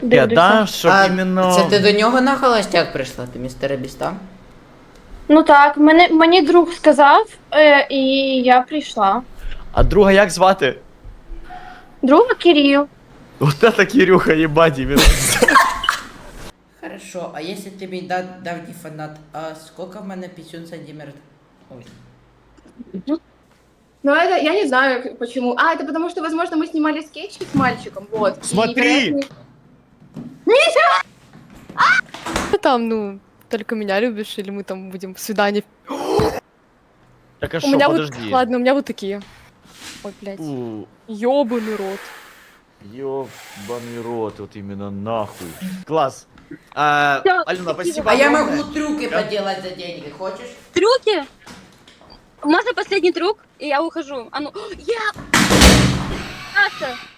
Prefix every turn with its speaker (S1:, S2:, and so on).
S1: Я да, щоб
S2: А
S1: іменно...
S2: це ти до нього на холостяк прийшла, ти містера Біста?
S3: Ну так, мені друг сказав, і я прийшла.
S1: А друга як звати?
S3: Друга Кирил.
S1: Вот это Кирюха, ебать, именно.
S2: Хорошо, а если ты мій давній фанат, а сколько в мене пісюн сантиметрів? Ой.
S4: Ну, это я не знаю почему. А, это потому что, возможно, мы снимали скетч с мальчиком, вот. И,
S1: Смотри!
S4: вероятно,
S5: Ты там, ну, только меня любишь, или мы там будем в свидании?
S1: Так а
S5: У
S1: шо,
S5: меня
S1: подожди.
S5: вот, ладно, у меня вот такие. Ой, блядь.
S1: У,
S5: Ёбаный рот.
S1: ёбаный рот, вот именно нахуй. Класс. Алена, спасибо
S2: А я
S1: огромное.
S2: могу трюки поделать за деньги, хочешь?
S6: Трюки? Можно последний трюк, и я ухожу? А ну, я... Саша,